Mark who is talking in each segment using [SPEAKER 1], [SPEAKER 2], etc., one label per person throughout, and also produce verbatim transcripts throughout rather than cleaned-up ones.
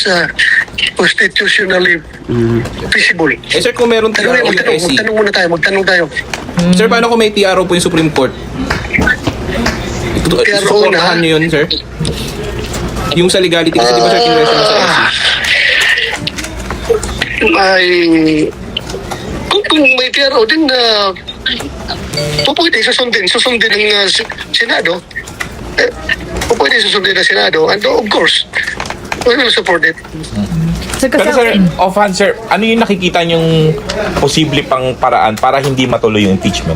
[SPEAKER 1] is uh, constitutionally feasible.
[SPEAKER 2] Eh sir, kung meron T R
[SPEAKER 1] Tanong,
[SPEAKER 2] O yung
[SPEAKER 1] magtanong,
[SPEAKER 2] S C,
[SPEAKER 1] magtanong muna tayo, magtanong tayo.
[SPEAKER 2] sir, paano kung may T R O po yung Supreme Court?
[SPEAKER 1] T R O
[SPEAKER 2] Suportahan
[SPEAKER 1] na?
[SPEAKER 2] nyo yun, sir? Yung sa legality, kasi di ba sir, kinwestiyon na sa S C?
[SPEAKER 1] May kung, kung may T R O din na uh, pwede susundin susundin ng uh, Senado, eh, pwede susundin ng Senado, and of course we will support it.
[SPEAKER 3] Sir, kasi
[SPEAKER 4] Pero sir, offhand sir, ano yung nakikita niyong posible pang paraan para hindi matuloy yung impeachment?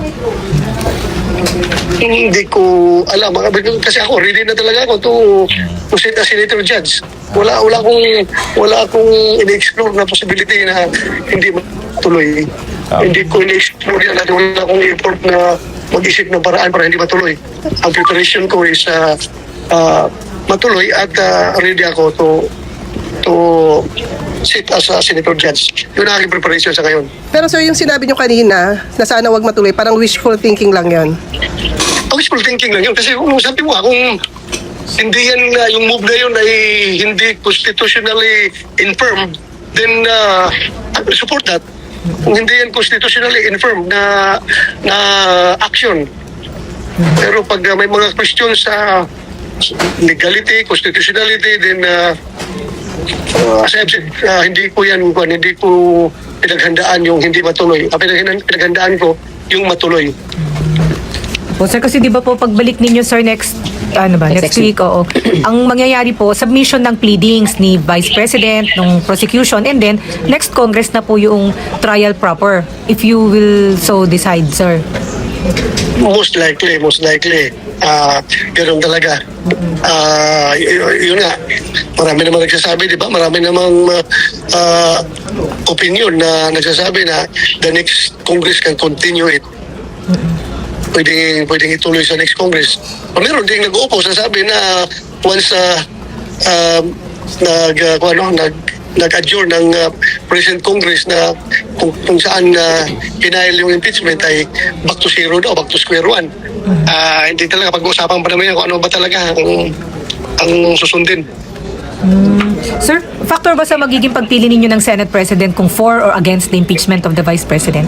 [SPEAKER 1] Hindi ko alam kasi ako ready na talaga ako to to sit as senator judge. Wala wala akong wala akong in-explore na possibility na hindi matuloy.
[SPEAKER 4] Ah.
[SPEAKER 1] Hindi ko in-explore yan at wala akong effort na mag-isip ng paraan para hindi matuloy. Ang preparation ko is uh, uh, matuloy at uh, ready ako to to sit as a senator judge. Yun ang aking preparation sa ngayon.
[SPEAKER 5] Pero sir, yung sinabi nyo kanina na sana wag matuloy, parang wishful thinking lang yon.
[SPEAKER 1] Ang wishful thinking lang yun kasi kung sabi mo kung hindi yan uh, yung move na yun ay hindi constitutionally infirm, then uh, I will support that. Kung hindi yan constitutionally infirm na na action. Pero pag uh, may mga questions sa legality, constitutionality, then uh, uh, as I've said, uh, hindi ko yan kung hindi ko pinaghandaan yung hindi matuloy. Ang pinaghandaan, pinaghandaan ko yung matuloy.
[SPEAKER 3] po, sir, kasi di ba po pagbalik ninyo, sir, next ano ba, next,
[SPEAKER 6] Next
[SPEAKER 3] week, oo. Ang mangyayari po, submission ng pleadings ni Vice President, ng prosecution, and then next Congress na po yung trial proper, if you will so decide, sir.
[SPEAKER 1] Most likely, most likely. Ah, ganun talaga. Ah, y- yun nga. Marami namang nagsasabi, di ba? Marami namang ah, opinion na nagsasabi na the next Congress can continue it. Pwede, pwedeng ituloy sa next Congress. O meron din nag-uupo, sasabi na once uh, uh, nag, uh, kung ano, nag, nag-adjourn ng uh, President Congress na kung, kung saan uh, pinail yung impeachment ay back to zero daw, back to square one. Uh, hindi talaga pag-uusapan pa naman yan kung ano ba talaga ang, ang susundin.
[SPEAKER 3] Sir, factor ba sa magiging pagpili ninyo ng Senate President kung for or against the impeachment of the Vice President?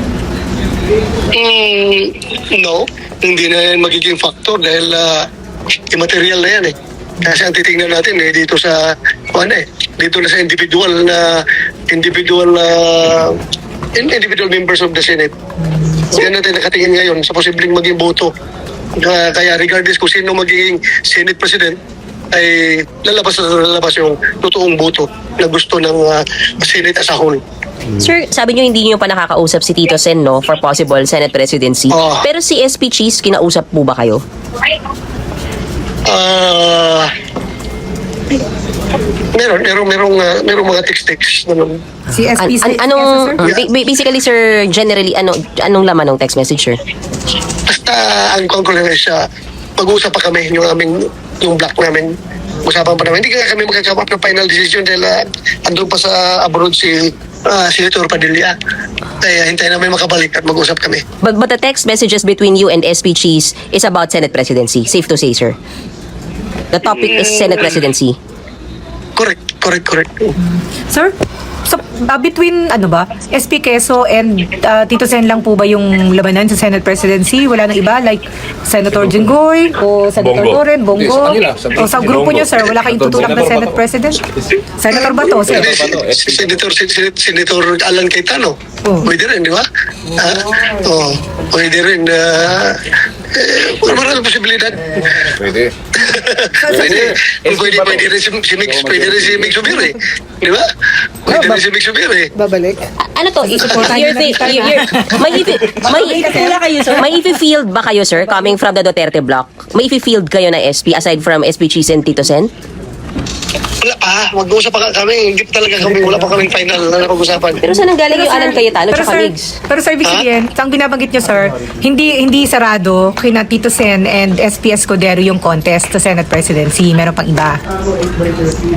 [SPEAKER 1] Mm, no, hindi na yan magiging factor dahil uh, immaterial na yan eh. Kasi ang titingnan natin eh, dito sa, ano eh, dito na sa individual na, individual uh, individual members of the Senate. Yan natin nakatingin ngayon sa posibleng maging boto. Uh, kaya regardless kung sino magiging Senate President, ay lalabas na lalabas yung totoong boto na gusto ng uh, Senate as a whole.
[SPEAKER 6] Sir, sabi nyo hindi nyo pa nakakausap si Tito Sen, no, for possible Senate presidency.
[SPEAKER 1] Oh.
[SPEAKER 6] Pero si S P Cheese, kinausap po ba kayo?
[SPEAKER 1] Ah, meron, meron, merong, uh, merong mga text-text. Ano.
[SPEAKER 3] Si S
[SPEAKER 6] An-
[SPEAKER 3] P C,
[SPEAKER 6] an- anong,
[SPEAKER 3] sir?
[SPEAKER 6] ba- ba- basically, sir, generally, ano, anong laman ng text message, sir?
[SPEAKER 1] Basta ang conclusion is uh, mag-uusap pa kami yung aming, yung block namin. Usapan pa namin. Hindi kaya kami magkakap ng final decision dahil uh, andun pa sa abroad si uh, Senator Padilla. Kaya hintayin namin makabalik at mag-usap kami.
[SPEAKER 6] But, but the text messages between you and S P Cheese is about Senate presidency. Safe to say, sir. The topic is Senate presidency.
[SPEAKER 1] Correct, correct, correct.
[SPEAKER 3] Sir, so, uh, between ano ba, S P Quezon and uh, Tito Sen lang po ba yung labanan sa Senate presidency? Wala nang iba like Senator Jinggoy o Senator
[SPEAKER 4] Bongo.
[SPEAKER 3] Loren, Bongo?
[SPEAKER 2] Hindi, sa kanila, sa-
[SPEAKER 3] O sa grupo
[SPEAKER 4] Bongo.
[SPEAKER 3] nyo, sir, wala kayong tutulak na
[SPEAKER 4] Senator
[SPEAKER 3] Senate
[SPEAKER 4] Bato.
[SPEAKER 3] President? Senator Bato, sir?
[SPEAKER 1] Pwede si, si Senator, si, si, Senator Alan Cayetano.
[SPEAKER 3] Oh.
[SPEAKER 1] Pwede rin, di ba? Ah, oh, pwede rin. Uh, eh, maraming posibilidad.
[SPEAKER 2] Pwede.
[SPEAKER 1] Pwede, pwede, pwede rin si, si Mix, pwede rin si Mix Subiri. Di ba? Pwede rin si Mix Subiri.
[SPEAKER 5] Babalik.
[SPEAKER 6] Ano to? You're, thi- you're, you're, may ifi, may, may ifi-field ba kayo, sir, coming from the Duterte block? May ifi-field kayo na S P aside from S P Cheese and Tito Sen?
[SPEAKER 1] Wala pa, mag-uusap pa kami. Hindi pa talaga kami, wala pa kaming final na napag-usapan.
[SPEAKER 6] Pero saan nanggaling yung Alan Cayetano
[SPEAKER 3] pero
[SPEAKER 6] tsaka
[SPEAKER 3] sir,
[SPEAKER 6] Migs?
[SPEAKER 3] pero sir, ibig
[SPEAKER 1] Ha?
[SPEAKER 3] sabihin, ang binabanggit nyo, sir, hindi hindi sarado kina Tito Sen and S P Escudero yung contest sa Senate presidency. Meron pang iba.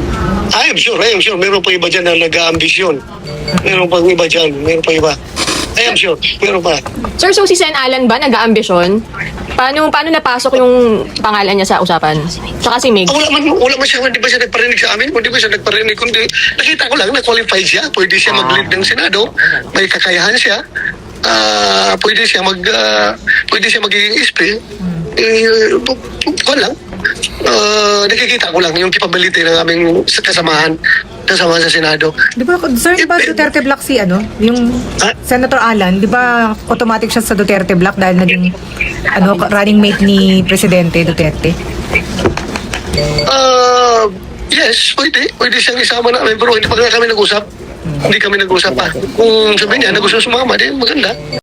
[SPEAKER 1] I am sure, I am sure. Meron pa iba dyan na nag-aambisyon. Meron pang iba dyan, meron pa iba. I am sure. Meron pa.
[SPEAKER 7] Sir, so si Sen Alan ba nag-aambisyon? Paano paano napasok yung pangalan niya sa usapan? Tsaka si Mig.
[SPEAKER 1] Ah, wala man, wala man siya, hindi ba siya nagparinig sa amin? Hindi ba siya nagparinig? Kundi nakita ko lang na qualified siya. Pwede siya mag-lead ng Senado. May kakayahan siya. Ah, pwede siya mag ah, pwede siya magiging S P. Eh, bu- bu- ko lang. Ah, nakikita ko lang yung capability ng aming sa- kasamahan kasamahan sa Senado.
[SPEAKER 3] Di ba, sir, di ba Duterte Black si ano? Yung
[SPEAKER 1] Ah?
[SPEAKER 3] Senator Alan, di ba automatic siya sa Duterte Black dahil naging ano, running mate ni Presidente Duterte?
[SPEAKER 1] Ah, yes, pwede. Pwede siyang isama namin pero hindi pa nga kami nag-usap. Hindi kami nag-usap pa. Kung sabihin niya na gusto sumama, di maganda.